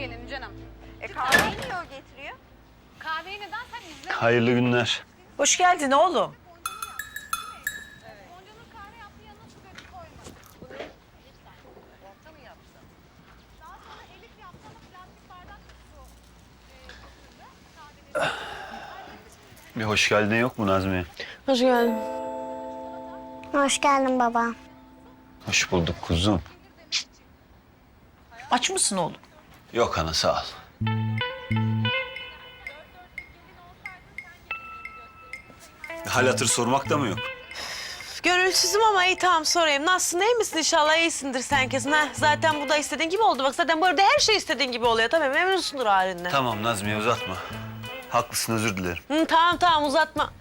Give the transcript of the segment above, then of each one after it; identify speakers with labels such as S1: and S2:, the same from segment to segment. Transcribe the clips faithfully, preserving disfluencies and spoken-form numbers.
S1: gelelim canım.
S2: E kahveyi niye o getiriyor?
S1: Kahveyi neden sen izle?
S3: Hayırlı günler.
S4: Hoş geldin oğlum.
S1: Goncanın kahve yaptığı yanına su döküp koymadı. Bunu lütfen. Orta mı yaptı? Daha sonra Elif yaptı ama plastik bardakla su e, getirdi. Kahveleri.
S3: Bir hoş geldin yok mu Nazmiye?
S5: Hoş geldin.
S6: Hoş geldin baba.
S3: Hoş bulduk kuzum.
S4: Aç mısın oğlum?
S3: Yok ana sağ ol. Hal hatır sormak da mı yok?
S5: Gönülsüzüm ama iyi tamam sorayım. Nasılsın, iyi misin inşallah? İyisindir sen kesin ha. Zaten bu da istediğin gibi oldu. Bak zaten bu evde her şey istediğin gibi oluyor. Tabii memnunsundur halinden.
S3: Tamam Nazmiye uzatma. Haklısın özür dilerim.
S5: Hı, tamam tamam uzatma.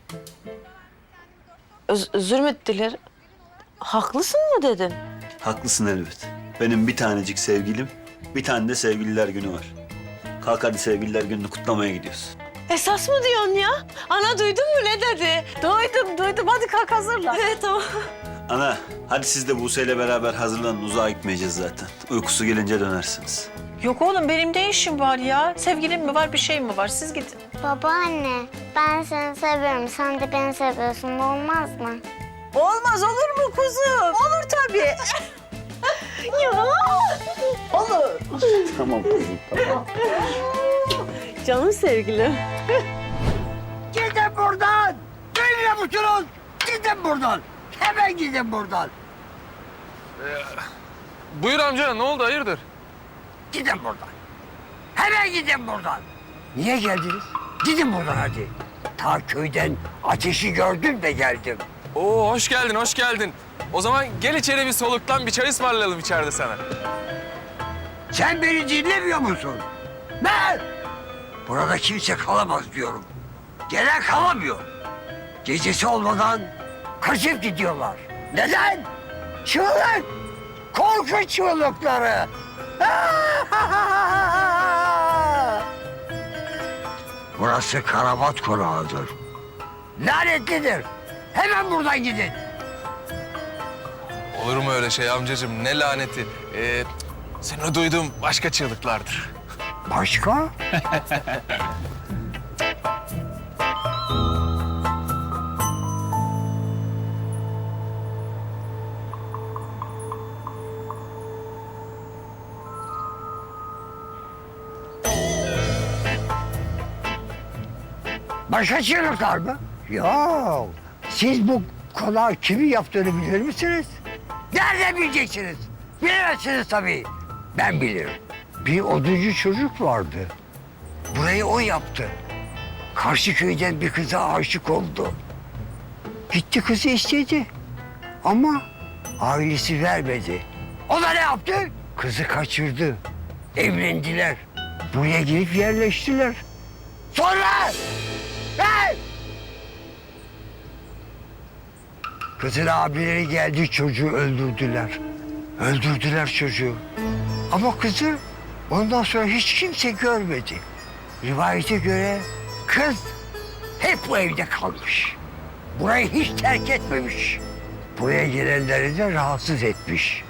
S5: Öz özür mü dilerim? Haklısın mı dedin?
S3: Haklısın elbet. Benim bir tanecik sevgilim, bir tane de sevgililer günü var. Kalk hadi sevgililer gününü kutlamaya gidiyoruz.
S5: Esas mı diyorsun ya? Ana duydun mu ne dedi? Duydum duydum. Hadi kalk hazırla. Evet tamam.
S3: Ana hadi siz de Buse ile beraber hazırlanın, uzağa gitmeyeceğiz zaten. Uykusu gelince dönersiniz.
S4: Yok oğlum benim ne işim var ya? Sevgilim mi var bir şey mi var? Siz gidin.
S6: Babaanne, ben seni seviyorum. Sen de beni seviyorsun. Olmaz mı?
S4: Olmaz olur mu kuzum? Olur tabii. ya. Olur.
S3: Tamam kuzum tamam.
S5: Canım sevgilim.
S7: Gidin buradan! Duymuyor musunuz? Gidin buradan! Hemen gidin buradan!
S8: Buyur amca, ne oldu, hayırdır?
S7: Gidin buradan! Hemen gidin buradan! Niye geldiniz? Gidin buradan hadi! Ta köyden ateşi gördüm de geldim.
S8: Oo, hoş geldin, hoş geldin. O zaman gel içeri bir soluklan, bir çay ısmarlayalım içeride sana.
S7: Sen beni dinlemiyor musun? Ben! Burada kimse kalamaz diyorum. Gelen kalamıyor. Gecesi olmadan kaçıp gidiyorlar. Neden? Çığlık! Korku çığlıkları! Burası Karabat Konağı'dır. Lanetlidir. Hemen buradan gidin.
S8: Olur mu öyle şey amcacığım, ne laneti. Ee, seni duyduğum başka çığlıklardır.
S7: Başka? Başka çığlıklar mı? Yok. Siz bu konağı kimin yaptığını bilir misiniz? Nereden bileceksiniz? Bilemezsiniz tabii. Ben bilirim. Bir oduncu çocuk vardı. Burayı o yaptı. Karşı köyden bir kıza aşık oldu. Gitti kızı istedi. Ama ailesi vermedi. O da ne yaptı? Kızı kaçırdı. Evlendiler. Buraya girip yerleştiler. Sonra... Hey! Kızın abileri geldi, çocuğu öldürdüler. Öldürdüler çocuğu. Ama kızı ondan sonra hiç kimse görmedi. Rivayete göre kız hep bu evde kalmış. Burayı hiç terk etmemiş. Buraya gelenleri de rahatsız etmiş.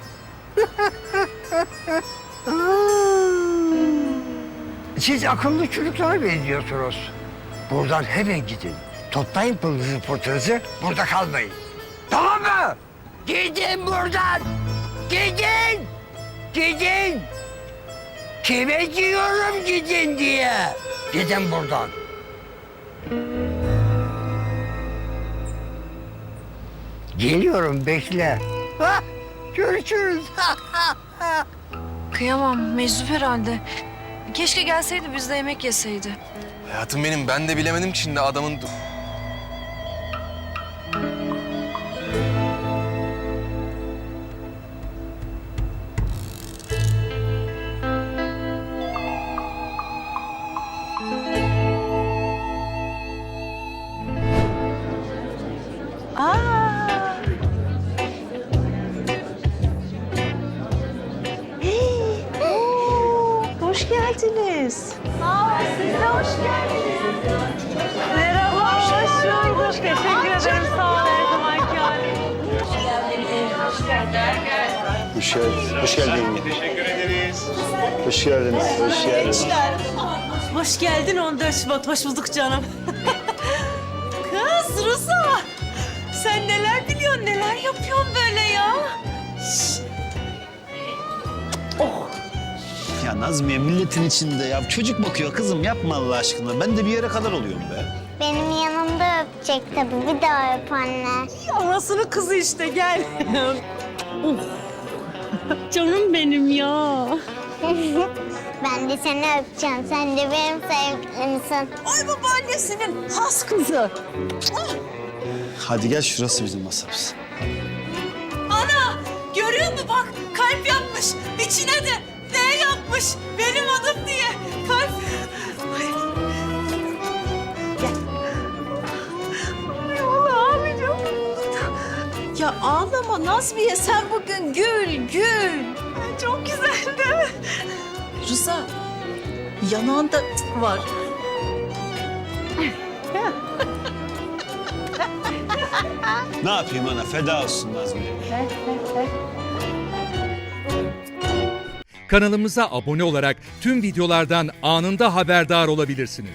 S7: Siz akıllı çocuklara benziyorsunuz. Buradan hemen gidin. Toplayın pılınızı pırtınızı, burada kalmayın. Tamam mı? Gidin buradan! Gidin! Gidin! Kime diyorum gidin diye? Gidin buradan. Geliyorum, bekle. Hah, görüşürüz.
S9: Kıyamam, meczup herhalde. Keşke gelseydi, biz de yemek yeseydi.
S8: Hayatım benim, ben de bilemedim ki şimdi adamın...
S5: Aa. Hey, oo, hoş geldiniz. Sağ olun, siz de hoş geldiniz. Merhaba, hoş bulduk. Teşekkür ederim, sağ olun her zamanki halim.
S3: Hoş Hoş geldin. Hoş geldin. Teşekkür ederiz. Hoş geldiniz. Hoş geldiniz.
S5: Hoş geldin on dört Şubat. Hoş bulduk canım. Kız Ruza. Sen neler biliyorsun, neler yapıyorsun böyle ya?
S3: Ya Nazmiye milletin içinde ya. Çocuk bakıyor kızım yapma Allah aşkına. Ben de bir yere kadar oluyorum be.
S6: Benim yanımda öpecek tabii. Bir daha öp anne.
S5: Anasının kızı işte, gel. Canım benim ya.
S6: Ben de seni öpeceğim. Sen de benim sevgilimsin.
S5: Ay babaannesinin has kızı.
S3: Hadi gel şurası bizim masamız.
S5: Ana, görüyor musun bak, kalp yapmış. İçine de ne yapmış, benim adım diye. Kalp. Ay. Gel. Ay Allah ağlayacağım.
S4: Ya ağlama Nazmiye, sen bugün gül, gül.
S5: Ay, çok güzel değil mi?
S4: Rıza, yanağında var.
S3: Ne yapayım ana feda olsun Nazmiye.
S10: Kanalımıza abone olarak tüm videolardan anında haberdar olabilirsiniz.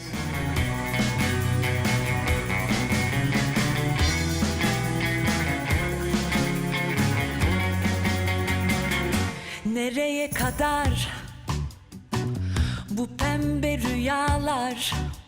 S11: Nereye kadar bu pembe rüyalar?